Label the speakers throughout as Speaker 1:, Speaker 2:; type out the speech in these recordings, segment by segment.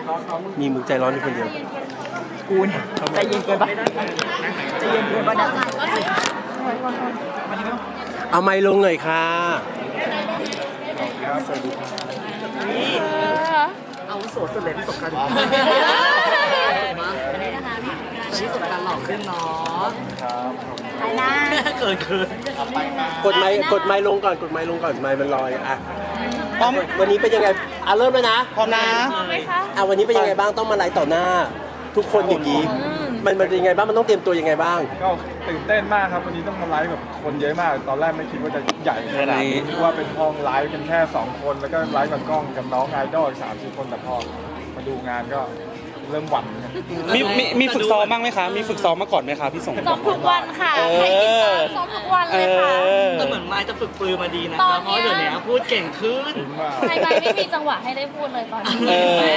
Speaker 1: มีมึงใจร้อนอยู่คนเดียว
Speaker 2: กูเนี่ยใจเย็นเกินปะใจเย็นเกินปะเนี่ย
Speaker 1: เอาไมค์ลงหน่อยค่ะ
Speaker 2: เอาโสดสุดเลยประสบการณ์ชี้สุดการหลอกขึ้นเนาะไปนะเกิน
Speaker 1: กดไมค์ลงก่อนไมค์มันลอยอ่ะพร้อมวันนี้เป็นยังไงเริ่มแล้วนะ
Speaker 3: พร้อมนะ
Speaker 1: วันนี้เป็นยังไงบ้างต้องมาไลฟ์ต่อหน้าทุกคนอย่างนี้มันเป็นยังไงบ้างมันต้องเตรียมตัวยังไงบ้าง
Speaker 4: ก็ตื่นเต้นมากครับวันนี้ต้องมาไลฟ์แบบคนเยอะมากตอนแรกไม่คิดว่าจะใหญ่ขนาดนี้คิดว่าเป็นห้องไลฟ์เป็นแค่2คนแล้วก็ไลฟ์กับกล้องกับน้องไอดอล3-4 คนแต่พอมาดูงานก็เริ่มหวั่น
Speaker 3: มีฝึกซ้อมบ้างไหมคะมีฝึกซ้อมมาก่อนไหมคะพี่สง
Speaker 5: ซ้อมทุกวันค่ะใครติดตามซ้อมทุกวันเลยค่ะ
Speaker 2: แต่เหมือนไม้จะฝึกปืนมาดีนะครับเพราะเดี๋ยวนี้พูดเก่งขึ้น
Speaker 5: ไม่มีจังหวะให้ได้พูดเลยตอนนี้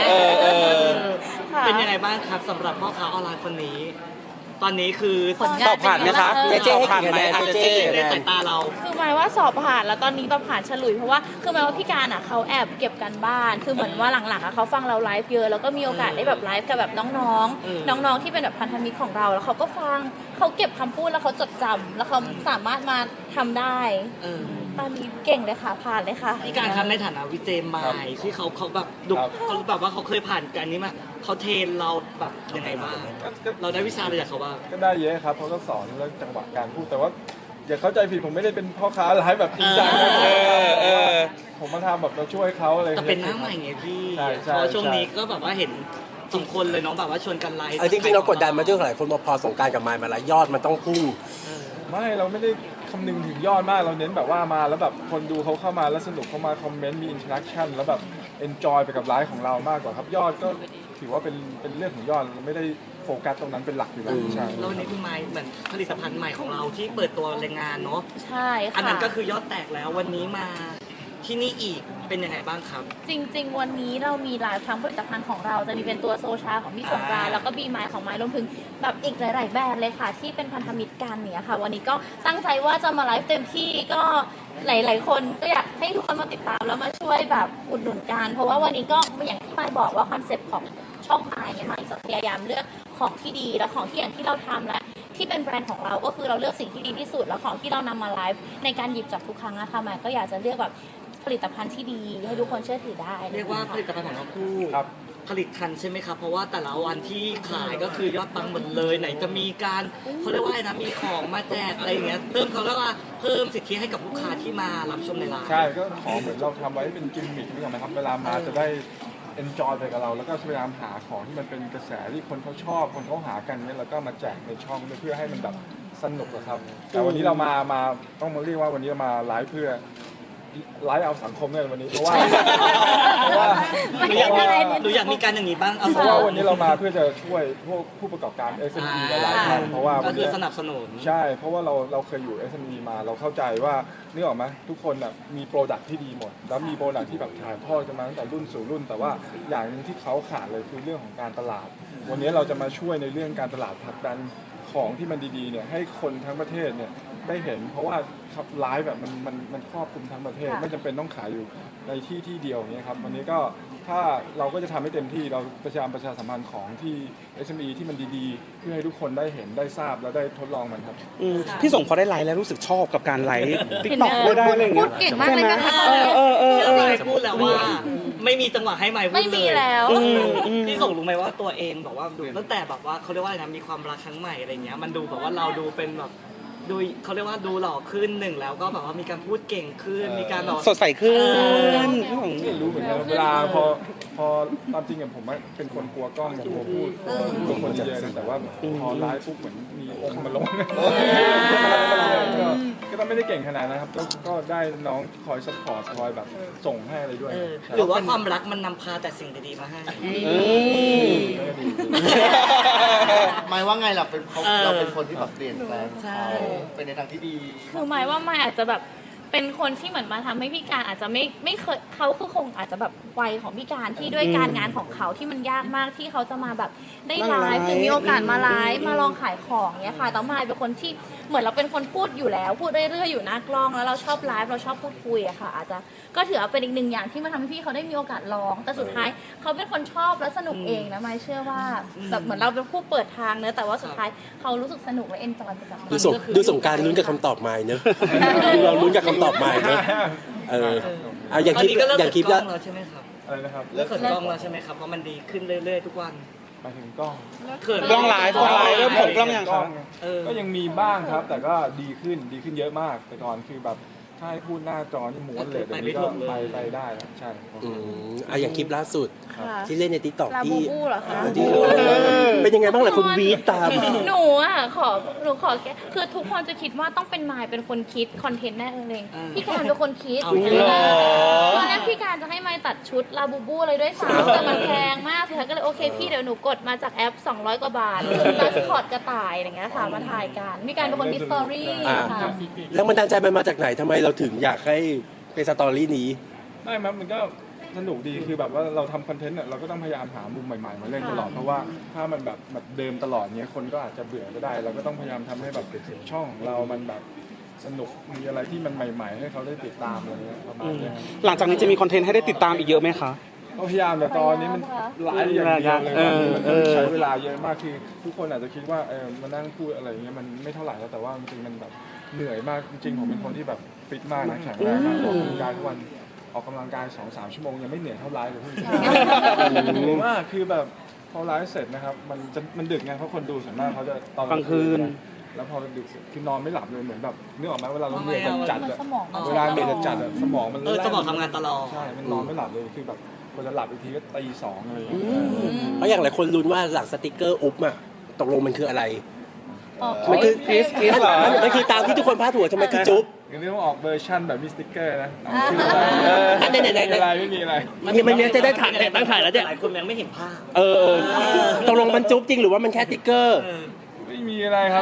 Speaker 2: เป็นยังไงบ้างครับสำหรับพ่อค้าออนไลน์คนนี้ตอนนี้คือ
Speaker 3: สอบผ่านไหมคะ
Speaker 1: เจ๊ให้
Speaker 3: ผ่านไหม
Speaker 2: เจ๊ในสายตาเรา
Speaker 5: คือหมายว่าสอบผ่านแล้วตอนนี้แบบผ่านฉลุยเพราะว่าคือหมายว่าพี่การอ่ะเขาแอบเก็บกันบ้านคือเหมือนว่าหลังๆอ่ะเขาฟังเราไลฟ์เยอะแล้วก็มีโอกาสได้แบบไลฟ์กับแบบน้องๆที่เป็นแบบพันธมิตรของเราแล้วเขาก็ฟังเขาเก็บคำพูดแล้วเขาจดจำแล้วเขาสามารถมาทำได้ตอนนี้เก่งเลยค่ะผ่านเลยค่ะ
Speaker 2: พี่การทำในฐานะวิเจมายที่เขาแบบดุเขาแบบว่าเขาเคยผ่านการนี้มาเขาเทรนเราแบบยังไงบ้างเราได้วิชาอะไรจากเขาบ้าง
Speaker 4: ก็ได้เยอะครับเขาก็สอนเรื่องจังหวะการพูดแต่ว่าอย่าเข้าใจผิดผมไม่ได้เป็นพ่อค้าไลฟ์แบบจริงจังนะผมมาทำแบบเราช่วยเขาอะไร
Speaker 2: แต่เป็นหน้าใหม่ไงพี่เพราะช่วงนี้ก็แบบว่าเห็น2 คนเลยน้องแบบว่าชวนกันไลฟ์
Speaker 1: จริงๆเรากดดันมาด้วยหลายคนพอสงการกับไมค์มาแล้วยอดมันต้องพุ่ง
Speaker 4: ไม่เราไม่ได้คำนึงถึงยอดมากเราเน้นแบบว่ามาแล้วแบบคนดูเขาเข้ามาแล้วสนุกเข้ามาคอมเมนต์มีอินเทอร์แอคชั่นแล้วแบบเอนจอยไปกับไลฟ์ของเรามากกว่าครับยอดก็ถือว่าเป็นเรื่องของยอดเราไม่ได้โฟกัสตรงนั้นเป็นหลักอยู่แล้วใช่
Speaker 2: แล้ววันนี้คุณไมค์เหมือนผลิตภัณฑ์ใหม่ของเราที่เปิดตัวแรงงานเนาะ
Speaker 5: ใช่ค่ะ
Speaker 2: อันนั้นก็คือยอดแตกแล้ววันนี้มาที่นี่อีกเป็นยังไงบ้างครับ
Speaker 5: จริงๆวันนี้เรามีหลายทั้งผลิตภัณฑ์ของเราจะมีเป็นตัวโซชาของพี่สงกรานต์แล้วก็บีไมล์ของไมล์รวมถึงแบบอีกหลายๆแบรนด์เลยค่ะที่เป็นพันธมิตรกันเนี่ยค่ะวันนี้ก็ตั้งใจว่าจะมาไลฟ์เต็มที่ก็หลายๆคนก็อยากให้ทุกคนมาติดตามแล้วมาช่วยแบบอุดหนุนกันเพราะว่าวันนี้ก็อย่างที่ไมล์บอกว่าคอนเซ็ปต์ของช่องไมล์เนี่ยไมล์จะพยายามเลือกของที่ดีและของที่อย่างที่เราทำและที่เป็นแบรนด์ของเราก็คือเราเลือกสิ่งที่ดีที่สุดแล้วของที่เรานำมาไลฟ์ในการหยิบจับทุกครั้งนะคะไมล์ก็อยากจะเลือกแบบผลิตภัณฑ์ที่ดีให้ทุกคนเชื่อถือได้
Speaker 2: เรียกว่าผลิตภัณฑ์ของเราคู่ผลิตทันใช่ไหมครับเพราะว่าแต่ละวันที่ขายก็คือยอดปังหมดเลยไหนจะมีการเขาเรียกว่าอะไรนะมีของมาแจกอะไรอย่างเงี้ยเพิ่มเขาเรียกว่าเพิ่มสิทธิให้กับลูกค้าที่มารับชมในร้าน
Speaker 4: ใช่ก็ของเหมือนเราทำไว้เป็นกิมมิคนี่นะครับเวลามาจะได้เอนจอยไปกับเราแล้วก็พยายามหาของที่มันเป็นกระแสที่คนเขาชอบคนเขาหากันเนี่ยแล้วก็มาแจกในช่องเพื่อให้มันแบบสนุกครับแต่วันนี้เรามาต้องมาเรียกว่าวันนี้เรามาไลฟ์เพื่อไลฟ์เอาสังคมเนี่ยวันนี้เพราะว่า
Speaker 2: หนูอยากมีการอย่างนี้บ้าง
Speaker 4: เพราะว่าวันนี้เรามาเพื่อจะช่วยพวกผู้ประกอบการ SME หลายๆท่านเพราะว่า
Speaker 2: ก็คือสนับสนุน
Speaker 4: ใช่เพราะว่าเราเคยอยู่ SME มาเราเข้าใจว่านึกออกไหมทุกคนมีโปรดักที่ดีหมดแล้วมีโปรดักที่แบบถ่ายทอดกันมาตั้งแต่รุ่นสู่รุ่นแต่ว่าอย่างนึงที่เขาขาดเลยคือเรื่องของการตลาดวันนี้เราจะมาช่วยในเรื่องการตลาดผลักดันของที่มันดีๆเนี่ยให้คนทั้งประเทศเนี่ยได้เห็นเพราะว่าไลฟ์แบบมันครอบคลุมทั้งประเทศไม่จำเป็นต้องขายอยู่ในที่เดียวอย่างเงี้ยครับวันนี้ก็ถ้าเราก็จะทำให้เต็มที่เราประชาสัมพันธ์ของที่ SME ที่มันดีๆเพื่อให้ทุกคนได้เห็นได้ทราบแล้วได้ทดลองมันครับ
Speaker 3: พี่สงพอได้ไลฟ์แล้วรู้สึกชอบกับการไลฟ์ติ๊กต็อกได้อะไรอย่างเงี้ย
Speaker 5: พูดเก่งมากเลยนะคะ
Speaker 2: พูดแล้วว่าไม่มีจังหวะให้ไมค์พูดเลย
Speaker 5: ไม่มีแล้ว
Speaker 2: พี่ส่งรู้ไหมว่าตัวเองบอกว่าดูตั้งแต่แบบว่าเขาเรียกว่าอะไรนะมีความรักครั้งใหม่อะไรเงี้ยมันดูแบบว่าเราดูเป็นแบบดูเขาเรียกว่าดูหล่อขึ้น1แล้วก็แบบว่ามีการพูดเก่งขึ้นมีการแบบ
Speaker 3: สดใสขึ้น
Speaker 4: ไม่รู้เหมือนกันเวลาพอตามจริงผมเป็นคนกลัวกล้องกลัวพูดกลัวคนเยอะแต่ว่าพอไลฟ์ปุ๊บเหมือนมีองค์มาลงก็ต้องไม่ได้เก่งขนาดนะครับก็ได้น้องคอยซัพพอร์ตคอยแบบส่งให้อะไรด้วย
Speaker 2: หรือว่าความรักมันนำพาแต่สิ่งดีๆมาให้
Speaker 6: หมายว่าไงเราเป็นคนที่แบบเปลี่ยนแปลงเขาเป็นในทางที่ดี
Speaker 5: คือหมายว่าไม่อาจจะแบบเป็นคนที่เหมือนมาทำให้พี่การอาจจะไม่เคยเขาคือคงอาจจะแบบวัยของพี่การที่ด้วยการงานของเขาที่มันยากมากที่เขาจะมาแบบได้ไลฟ์หรือมีโอกาสมาไลฟ์มาลองขายของเนี้ยค่ะแต่มายเป็นคนที่เหมือนเราเป็นคนพูดอยู่แล้วพูดเรื่อยๆอยู่หน้ากล้องแล้วเราชอบไลฟ์เราชอบพูดคุยอะค่ะอาจจะก็ถือว่าเป็นอีกหนึ่งอย่างที่มาทำให้พี่เขาได้มีโอกาสลองแต่สุดท้ายเขาเป็นคนชอบและสนุกเองนะมายเชื่อว่าแบบเหมือนเราเป็นผู้เปิดทางเนอะแต่ว่าสุดท้ายเขารู้สึกสนุกและเอนจอยไปกับมัน
Speaker 1: ดูสงกรารลุ้นกับคำตอบไม่เนอะดูเราลุ้นกับคำตอบไม่เนอะเอาอย่าง
Speaker 2: ตอน
Speaker 1: คลิป
Speaker 2: นี้ก็เลิก
Speaker 1: อย่างคลิป
Speaker 2: เปิ
Speaker 1: แล้
Speaker 2: ด
Speaker 1: ว
Speaker 2: กล้องแล้วใช่ไหมครับ
Speaker 4: อะไรนะครับ
Speaker 2: เลิกเปิดกล้องแล้วใช่ไหมครับเพราะมันดีขึ้นเรื่อยๆทุกวัน
Speaker 4: ไปถึงกล้อง
Speaker 2: เขิน
Speaker 3: กล้องไลฟ์เริ่มเปิดกล้องยังครับ
Speaker 4: ก็ยังมีบ้างครับ แต่ก็ดีขึ้นเยอะมาก แต่ก่อนคือแบบถ้าให้พูดหน้าจอนี่ม้วนเลยเดี๋ยวนี้ก็ไปได้แล้วใช่ครับ
Speaker 1: อย่างคลิปล่าสุด
Speaker 5: ค่ะ
Speaker 1: ที่เล่นในทิกตอก
Speaker 5: ลาบู
Speaker 1: ที่
Speaker 5: บูเหรอคะ
Speaker 1: ที่เป็นยังไงบ้างล่ะคุณวีดตาม
Speaker 5: หนูขอแก้คือทุกคนจะคิดว่าต้องเป็นมายเป็นคนคิดคอนเทนต์แน่เลยพี่การเป็นคนคิด
Speaker 2: เอาจริงเหรอ
Speaker 5: ตอนแรกพี่การจะให้มายตัดชุดลาบูบูเลยด้วยซ้ำแต่มันแพงมากสุดท้ายก็เลยโอเคพี่เดี๋ยวหนูกดมาจากแอป200 กว่าบาทมาสคอตกระต่ายอะไรเงี้ยค่ะมาถ่ายกันพี่การเป็นคนคิดสตอรี่ค่ะ
Speaker 1: แล้วมันดันใจมันมาจากไหนทำไมเราถึงอยากให้เป็นสตอรี่นี้
Speaker 4: ไม่ครับมันก็สนุกดีคือแบบว่าเราทำคอนเทนต์เนี่ยเราก็ต้องพยายามหามุมใหม่ๆมาเล่นตลอดเพราะว่าถ้ามันแบบเดิมตลอดเนี้ยคนก็อาจจะเบื่อก็ได้ เราก็ต้องพยายามทำให้แบบช่องของเรามันแบบสนุกมีอะไรที่มันใหม่ๆ ให้เขาได้ติดตามอะไรเงี้ยประมาณเนี้ย
Speaker 3: หลังจากนี้จะมีคอนเทนต์ให้ได้ติดตามอีกเยอะไหมคะ
Speaker 4: ก็พยายามแต่ตอนนี้มันหลายอย่างเดียวเลยมัน
Speaker 3: เออ
Speaker 4: ใช้เวลาเยอะมากคือทุกคนอาจจะคิดว่ามานั่งพูดอะไรอย่างเงี้ยมันไม่เท่าไหร่แล้วแต่ว่าจริงๆมันแบบเหนื่อยมากจริงๆผมเป็นคนที่แบบฟิตมากนะแข็งแรงมากออกกำลังกายทุกวันออกกำลังกาย 2-3 ชั่วโมงยังไม่เหนื่อยเท่าไลฟ์เลยพี่เหนื่อยมากคือแบบพอไลฟ์เสร็จนะครับมันดึกไงเพราะคนดูส่วนมากเขาจะตอน
Speaker 3: กลางคืน
Speaker 4: แล้วพอดึกเสร็จคือนอนไม่หลับเลยเหมือนแบบนึกออกไหมเวลาเราเหนื่อยจัดๆอะ
Speaker 5: สมองมัน
Speaker 4: เวลาเหนื่อยจัดๆอะสมองมัน
Speaker 2: สมองทำงานตลอด
Speaker 4: ใช่มันนอนไม่หลับเลยคือแบบกว่าจะหลับอีกทีก็ตี 2อะไรอย่างเงี้ย
Speaker 1: เพราะอย่างหลายคนลุ้นว่าหลังสติกเกอร์อุ๊บอะตกลงมันคืออะไร
Speaker 5: อ๋อ
Speaker 1: มันคือ
Speaker 3: คริสเหรอ
Speaker 1: มันคือตามที่ทุกคนพาดหัวทำไมคือจุ๊บ
Speaker 4: งั้นต้องออกเวอร์ชั่นแบบมีสติ๊กเกอร์นะ
Speaker 1: ไหนๆๆๆ
Speaker 4: ไม่มีอะไรไม่มีอะไร
Speaker 1: มันจะได้ถ่ายตั้งถ่ายแล้วเนี่ย
Speaker 2: หลายคนยังไม่เห็นภาพ
Speaker 1: ตกลงมันจุ๊บจริงหรือว่ามันแค่ติ๊กเกอร์
Speaker 4: ไม่มีอะไรครับ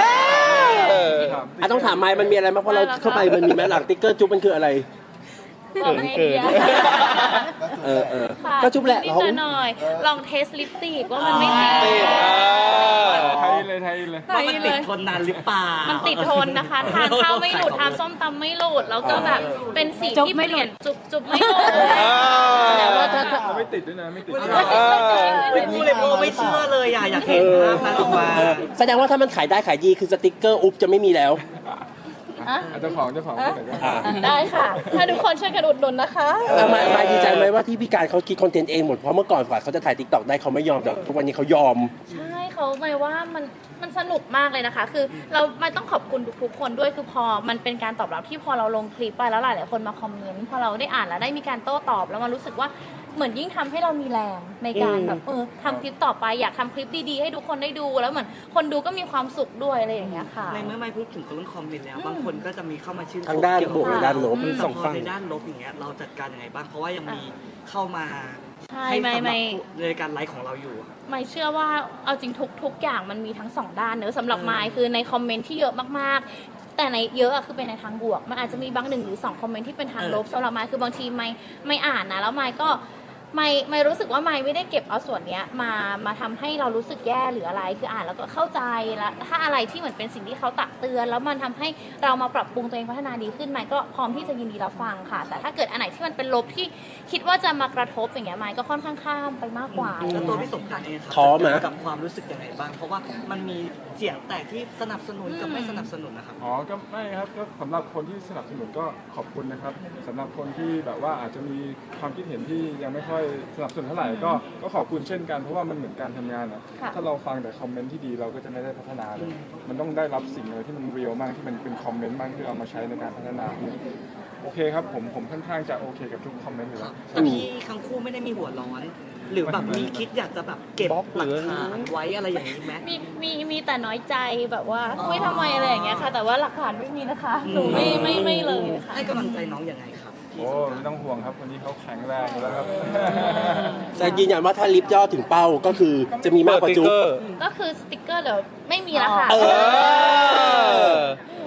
Speaker 1: ต้องถามไมค์มันมีอะไรมางเพราะเราเข้าไปมันมีไหมหลังติ๊กเกอร์จุ๊บมันคืออะไร
Speaker 5: บอกไอเดีย ค่ะ
Speaker 1: ก็จุ๊บแหละ
Speaker 5: นิดหน่อยลองเทสลิปสติกว่ามันไม่ติด
Speaker 4: ไทยเลย
Speaker 2: ว่ามันติดทนนานหรือเปล่า
Speaker 5: มันติดทนนะคะ ทานข้าวไม่หลุด ทานส้มตำไม่หลุด แล้วก็แบบเป็นสีที่เปลี่ยนจุบไม่หลุด
Speaker 1: แต่ว่าถ้า
Speaker 4: ไม่ติดด้วยนะไม่ติด
Speaker 2: ไม่พูดเลยโบไม่เชื่อเลยอยากเห็นภาพนั้นออกมา
Speaker 1: แสดงว่าถ้ามันขายได้ขายดีคือสติกเกอร์อุ๊บจะไม่มีแล้ว
Speaker 4: เจ้าของพูดหน่อยก็
Speaker 5: ได้ค่ะ ถ้าทุกคนช่วยกันอุดหนุนนะคะ
Speaker 1: มาดีใจไหมว่าที่พี่การเขาคิดคอนเทนต์เองหมดเพราะเมื่อก่อนกว่าเขาจะถ่ายติ๊กต็อกได้เขาไม่ยอมแต่ทุกวันนี้เขายอม
Speaker 5: ใช่เขาหมายว่ามันสนุกมากเลยนะคะ คือเราไม่ต้องขอบคุณทุกๆคนด้วยคือพอมันเป็นการตอบรับที่พอเราลงคลิปไปแล้วหลายๆคนมาคอมเมนต์พอเราได้อ่านแล้วได้มีการโต้ตอบแล้วมันรู้สึกว่าเหมือนยิ่งทำให้เรามีแรงในการแบบทำคลิปต่อไปอยากทำคลิปดีๆให้ทุกคนได้ดูแล้วเหมือนคนดูก็มีความสุขด้วยอะไรอย่างเงี้ยค่ะ
Speaker 2: ในเมื่อไม่พูดถึงเรื่องคอมเมนต์แล้ว บางคนก็จะมีเข้ามาชื่นชม
Speaker 1: ทางด้านบวกและด้านลบ
Speaker 2: แต่พอในด้านลบอย่างเงี้ยเราจัดการยังไงบ้างเพราะว่ายังมีเข้ามา
Speaker 5: ใช่
Speaker 2: ให้
Speaker 5: ไม่
Speaker 2: สำห
Speaker 5: ไม่
Speaker 2: รับในการไลฟ์ของเราอยู่
Speaker 5: ไม่เชื่อว่าเอาจริงทุกอย่างมันมีทั้งสองด้านเนอะสำหรับไมค์คือในคอมเมนต์ที่เยอะมากๆ แต่ในเยอะอะคือเป็นในทางบวก มันอาจจะมีบาง1 หรือ 2คอมเมนต์ที่เป็นทางลบสำหรับไมค์คือบางทีไม่อ่านนะแล้วไมค์ก็ไม่รู้สึกว่าไม่ได้เก็บเอาส่วนเนี้ยมาทำให้เรารู้สึกแย่หรืออะไรคืออ่านแล้วก็เข้าใจแล้วถ้าอะไรที่เหมือนเป็นสิ่งที่เขาตักเตือนแล้วมันทำให้เรามาปรับปรุงตัวเองพัฒนาดีขึ้นไมค์ก็พร้อมที่จะยินดีรับฟังค่ะ แต่ถ้าเกิดอันไหนที่มันเป็นลบที่คิดว่าจะมากระทบอย่างเงี้ยไมค์ก็ค่อนข้างข้ามไปมากกว่า
Speaker 2: แล้วตัวพี่สงกรานต์เองครับ
Speaker 1: ท้อไหม
Speaker 2: กับความรู้สึกยังไงบ้าง เพราะว่ามันมีเสียงแตกที่สนับสนุนกับไม่สนับสนุนนะครับ
Speaker 4: ก็ไม่ครับก็สำหรับคนที่สนับสนุนก็ขอบคุณนะครับสำหรับคนที่แบบว่าอาจจะมีความคิดเห็นที่ยังไม่ค่อยสนับสนุนเท่าไหร่ก็ขอบคุณเช่นกันเพราะว่ามันเหมือนการทำงานอ่ะ
Speaker 5: ค่ะ
Speaker 4: ถ้าเราฟังแต่คอมเมนต์ที่ดีเราก็จะไม่ได้พัฒนาเลย มันต้องได้รับสิ่งอะไรที่มันเรียลมากที่มันเป็นคอมเมนต์มากที่เอามาใช้ในการพัฒนาโอเคครับผมค่อนข้างจะโอเคกับทุกคอมเมนต์อยู่แล้ว
Speaker 2: แต่พี่ทั้งคู่ไม่ได้มีหัวร้อน หรือแบบมีคิดอยากจะแบบเก็บบ
Speaker 3: ล็อกห
Speaker 2: ห
Speaker 3: รื
Speaker 2: ลั
Speaker 3: อ
Speaker 2: กฐานไว้อะไรอย่างนี้ไหม
Speaker 5: มีแต่น้อยใจแบบว่าไม่ทำไมอะไรอย่างเงี้ยค่ะ แต่ว่าหลักฐานไม่มีนะคะหนูไม่เลยค่ะ
Speaker 2: ให้กำลังใจน้องยังไงครับพี่
Speaker 4: โอ้
Speaker 2: สงกราน
Speaker 4: ไม่
Speaker 2: ต์
Speaker 4: ต้องห่วงครับวันนี้เขาแข็งแรงอยู่แล้วครับ
Speaker 1: แต่ยืนยันว่าถ้าลิฟต์ยอดถึงเป้าก็คือจะมีมากกว่าจุ๊บ
Speaker 5: ก็คือสติกเกอร์เดี๋ยวไม่มีแล้วค่ะ
Speaker 1: เออ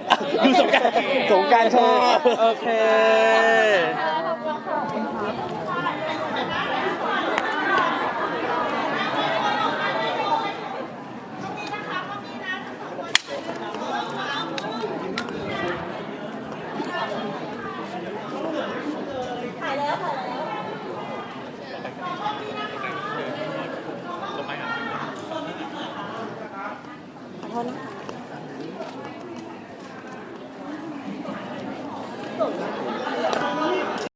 Speaker 3: ดูสงกรารชอบโอเค
Speaker 5: ขอโทษนะคะ